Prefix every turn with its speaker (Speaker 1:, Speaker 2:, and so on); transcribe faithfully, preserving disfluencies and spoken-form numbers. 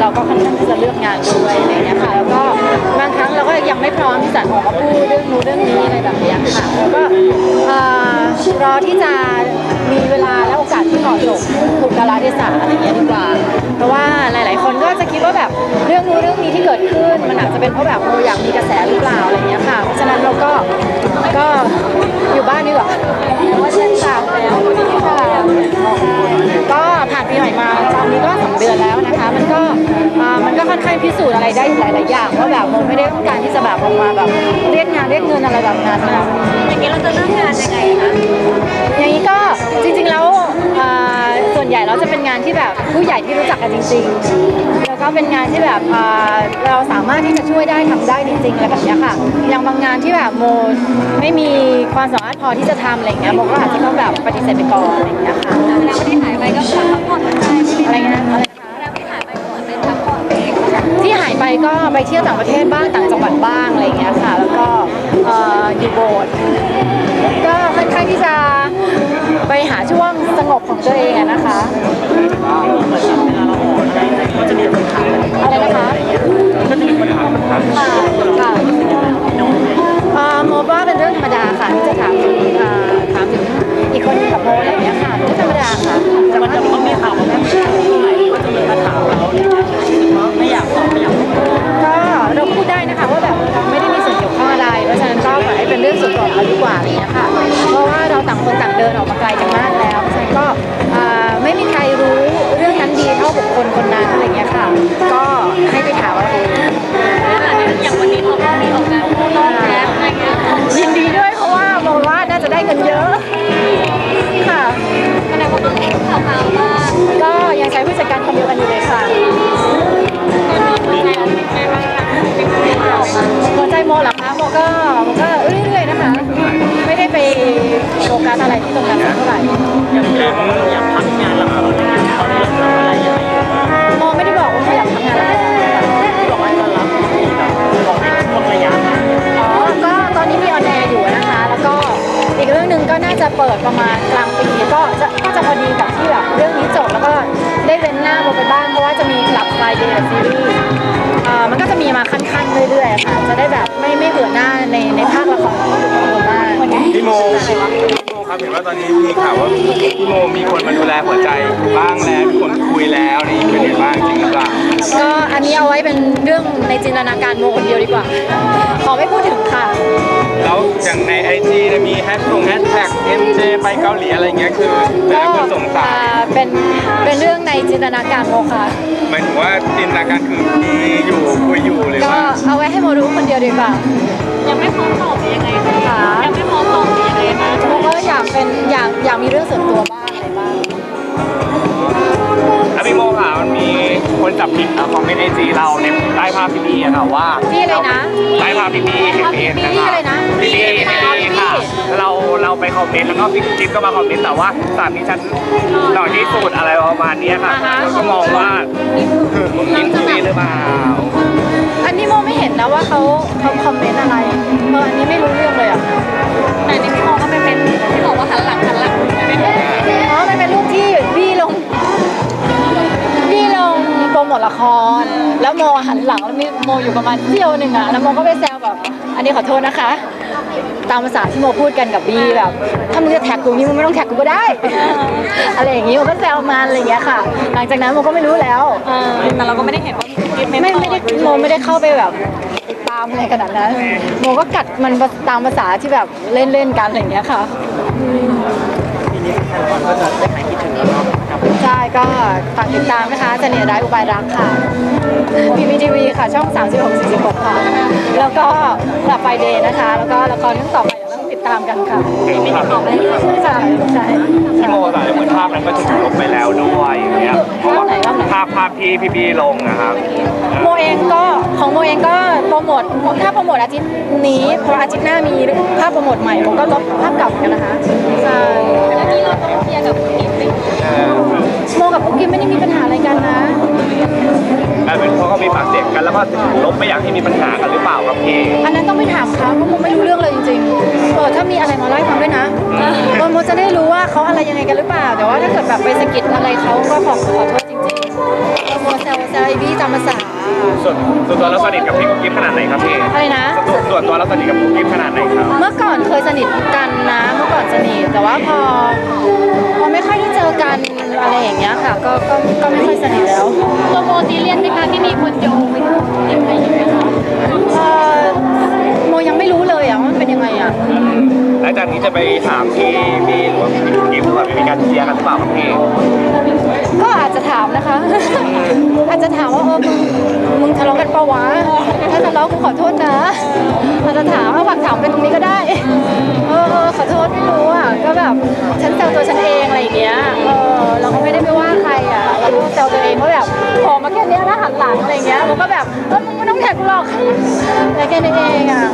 Speaker 1: เราก็ค่อนข้างที่จะเลือกงานด้วยอะไรเงี้ยค่ะแล้วก็บางครั้งเราก็ยังไม่พร้อมที่จะออกมาพูดเรื่องนู้นเรื่องนี้อะไรแบบนี้ค่ะแล้วก็รอที่จะมีเวลาและโอกาสที่เหมาะสมถูกกาลเทศะอะไรเงี้ยดีกว่าเพราะว่าหลายๆคนก็จะคิดว่าแบบเรื่องนู้นเรื่องนี้ที่เกิดขึ้นมันอาจจะเป็นเพราะแบบโมอยากมีกระแสหรือเปล่าอะไรเงี้ยค่ะเพราะฉะนั้นเราก็ก็อยู่บ้านดีกว่าว่าเช่นสาวแล้วค่ะก็ผ่านปีใหม่มาตอนนี้ก็สองเดือนแล้วนะคะมันก็มันก็ค่อนข้างพิสูจน์อะไรได้หลายๆอย่างว่าแบบโมไม่ได้ต้องการที่จะแบบออกมาแบบเรียกงานเรียกเงินอะไรแบบนั้นนะ
Speaker 2: อย่างนี้เราจะเริ่มงานยังไงคะ
Speaker 1: อย่างนี้ก็จริงๆแล้วส่วนใหญ่เราจะเป็นงานที่แบบผู้ใหญ่ที่รู้จักกันจริงๆแล้วก็เป็นงานที่แบบเราสามารถที่จะช่วยได้ทำได้จริงๆอะไรแบบนี้ค่ะอย่างบางงานที่แบบโมไม่มีความสามารถพอที่จะทำอะไรเงี้ยโมก็อาจจะต้องแบบปฏิเสธไปก่อนอะไรเงี้ยค่ะ
Speaker 2: แล้วที่หายไปก็คือพักผ่อนได้
Speaker 1: อะไรเงี้ยอะไรนะคะ
Speaker 2: แล้วที่หายไปก็เหมือนเป็นพักผ่อนเอง
Speaker 1: ที่หายไปก็ไปเที่ยวต่างประเทศบ้างต่างจังหวัดบ้างอะไรเงี้ยค่ะแล้วก็อยู่โบสถ์ก็ค่อนข้างที่จะไปหาช่วงสงบของตัวเองนะคะอะไรนะคะก็จะมีปัญหาปัญหาค่ะค่ะโมว่าเป็นเรื่องธรรมดาค่ะที่จะถามถามถึงอีกคนกับโมอะไรเงี้ยค่ะเรื่องธรรมดาค่ะ
Speaker 3: แต่มันจะต้องมีข่าวว่าแม่ผู้ชายก็จะมีมาถามเราเนี่ยไม่อยากตอบไม่อยาก
Speaker 1: ก็เราพูดได้นะคะว่าแบบไม่ได้มีส่วนเกี่ยวข้องอะไรเพราะฉะนั้นก็ปล่อยให้เป็นเรื่องส่วนตัวของเราดีกว่าอะไรเงี้ยค่ะเพราะว่าเราต่างคนต่างเดินออกมาไกลกันมากแล้วเพราะฉะนั้นก็ไม่มีใครรู้เรื่องนั้นดีเท่าบุคคลคนนั้นอะไรเงี้ยค่ะก็ให้ไปถามเอาเอง
Speaker 2: อย่างวันนี้เราก็มีออกงานคู่รอบแล้วอะไรเงี้ย
Speaker 1: ยินดีด้วยเพราะว่าโมว่าน่าจะได้เงินเยอะค่ะ
Speaker 2: แสดงว่าต้องเห็นข่าวๆว่า
Speaker 1: ก็ยังใช้ผู้จัดการคนเดียวกันอยู่เลยค่ะหัวใจโมเหรอคะโมก็โมก็เรื่อยๆนะคะไม่ได้ไปโฟกัสอะไรที่ตรงนั้นเท่าไหร่
Speaker 3: อย่างเรื่องอยากพักงานละครเขาเรื่องอะไรยังไง
Speaker 1: โมไม่ได้บอกว่าโมอยากทำงานละคร
Speaker 3: บอกว่าจะรับมีแบบบอกให้ช่วงระยะ
Speaker 1: อ๋อก็ตอนนี้มีออนแอร์อยู่นะคะแล้วก็อีกเรื่องหนึ่งก็น่าจะเปิดประมาณกลางปีก็จะก็จะพอดีกับที่แบบเรื่องนี้จบแล้วก็ได้เว้นหน้าโมไปบ้างเพราะว่าจะมีกลับไฟเดย์ซีรีส์มันก็จะมีมาขั้นๆเรื่อยๆค่ะจะได้แบบไม่ไม่เบื่อหน้าในในภาคละครของโมบ้าง
Speaker 4: พี่โมพี่โมครับเห็นว่าตอนนี้มีข่าวว่าพี่โมมีคนมาดูแลหัวใจบ้างแล้วมีคนคุยแล้วนี่เป็นยังไงบ้างจริงหรือเปล่า
Speaker 1: ก็อันนี้เอาไว้เป็นเรื่องในจินตนาการโมคนเดียวดีกว่าขอไม่พูดถึงค่ะ
Speaker 4: แล้วอย่างในไอจีจะมีแฮชทงแฮชแท็กเอ็มเจไปเกาหลีอะไรเงี้ยคือแต่ละคนสงสัย
Speaker 1: เป็นเป็นเรื่องในจินตนาการโมค่ะ
Speaker 4: หมายถึงว่าจินตนาการคือมีอยู่คุยอยู่เลย
Speaker 1: ว่าก็เอาไว้ให้โมรู้คนเดียวดีกว่า
Speaker 2: ยังไม่พร้อมตอบยังไงคะยังไม่พร้อมตอบยังไงนะ
Speaker 1: โมก็อยากเป็นอยากอยากมีเรื่องส่วนตัวบ้างอะไรบ้าง
Speaker 4: แล้วพี่โมค่ะมันมีคนจับผิดคอมเมนต์ไอจีเราในใต้ภาพพี่บีอะค่ะว่า
Speaker 1: ที่อะไรนะ
Speaker 4: ใต้ภาพพี่บีเห็นเองนะคะพี่บีพี่บีค่ะเราเราไปคอมเมนต์แล้วก็พี่จิ๊บก็มาคอมเมนต์แต่ว่าสามีฉันหล่อที่สุดอะไรประมาณนี้ค่ะก็มองว่ามึงกินพี่หรือเปล่า
Speaker 1: อันนี้โมไม่เห็นนะว่าเขาเขาคอมเมนต์อะไรเอออันนี้ไม่รู้เรื่องเลยอ่ะ
Speaker 2: แต่ในพี่โมก็ไม่เป็นที่บอกว่าหันหลังหันหลังไม่เป็น
Speaker 1: อ๋อมันเป็นรูปที่พี่ลงพี่ลงโปรโมทละครแล้วโมหันหลังแล้วมีโมอยู่ประมาณเที่ยวหนึ่งอ่ะแล้วโมก็ไปแซวแบบอันนี้ขอโทษนะคะตามภาษาที่โมพูดกันกับบีแบบถ้ามึงจะแท็กกูนี่มึงไม่ต้องแท็กกูก็ได้อะไรอย่างงี้โมก็แซวมาอะไรอย่างเงี้ยค่ะหลังจากนั้นโมก็ไม่รู้แล้ว
Speaker 2: แต่เราก็ไม่ได้เห็นว่า
Speaker 1: ไม่ไม่ได้โมไม่ได้เข้าไปแบบตามอะไรขนาดนั้นโมก็กัดมันตามภาษาที่แบบเล่นเล่นกันอะไรอย่างเงี้ยค่ะ
Speaker 3: ทีนี้แฟนบอลก็จะได้หายคิดถึงแล้วเนาะ
Speaker 1: ใช่ก็ฝากติดตามนะคะเสน่ห์ร้ายอุบายรักค่ะพีพีทีวีค่ะช่องสามสิบหก สี่สิบหกค่ะแล้วก็กลับไฟเดย์นะคะแล้วก็ละครเรื่องต่อไปต้องติดตามกันค่ะ
Speaker 2: ไม่ติดต่อไปเลย
Speaker 1: ใช่ใช่
Speaker 4: พี่โมแต่เหมือนภาพนั้นก็ถูกลบไปแล้วด้วยอย่างเงี้ยเพราะว่าภาพภาพที่พี่บีลงนะครับ
Speaker 1: โมเองก็ของโมเองก็โปรโมทถ้าโปรโมทอาทิตย์นี้เพราะอาทิตย์หน้ามีภาพโปรโมทใหม่ผมก็ลบภาพเก่ากันนะคะใช่
Speaker 2: แล้วนี้เราต้องเคลียร์กับคุณกิ๊ฟ
Speaker 1: โมกับกุ๊กกิ๊บไม่ได้มีปัญหาอะไรกันนะ
Speaker 4: เป็นเพราะเขามีปากเสียงกันแล้วก็ลบไม่อยากให้มีปัญหากันหรือเปล่าครับพี่
Speaker 1: อันนั้นต้องไปถามเขาเพราะโมไม่รู้เรื่องเลยจริงๆเออถ้ามีอะไรมาเล่าให้ฟังด้วยนะโมจะได้รู้ว่าเขาอะไรยังไงกันหรือเปล่าแต่ว่าถ้าเกิดแบบไปสะกิดอะไรเขาก็ขอขอโทษจริงๆโมเซลเซลไอบี้จำภาษา
Speaker 4: ส่วนส่วนตัวเราสนิทกับพี่กุ๊กกิ๊บขนาดไหนครับพี่
Speaker 1: อะไรนะ
Speaker 4: ส่วนส่วนตัวเราสนิทกับกุ๊กกิ๊บขนาดไหนครับ
Speaker 1: เมื่อก่อนเคยสนิทกันนะเมื่อก่อนสนิทแต่ว่าพอพอไม่ค่อยได้เจอกันอะไรอย่างเงี้ยค่ะ ก็ก็ก็ไม่ค่อยสนิทแล้ว
Speaker 2: ตัวโมซีเรียสไหมคะที่มีคนโยงไปถึงยังไงอย่างเงี้ย
Speaker 1: เอ่อโมยังไม่รู้เลยอ่ะว่ามันเป็นยังไงอ่ะ
Speaker 4: หลังจากนี้จะไปถามพี่พี่หรือว่าพี่กิ๊บหรือว่ามีการเคลียร์กันหรือเปล่าครับพี่
Speaker 1: ก็อาจจะถามนะคะ อาจจะถามว่าเออมึงมึงทะเลาะกันปะวะถ้าทะเลาะกูขอโทษนะอาจจะถามเอาฝากถามไปตรงนี้ก็ได้เออเออขอโทษไม่รู้อ่ะก็แบบฉันแซวตัวฉันเองอะไรอย่างเงี้ยเออเราก็ไม่ได้ไปว่าใครอ่ะเราก็แซวตัวเองว่าแบบพอมาแค่เนี้ยแล้วหันหลังอะไรเงี้ยมันก็แบบเออมึงไม่ต้องแท็กกูหรอกแต่แค่นี้เองอ่ะ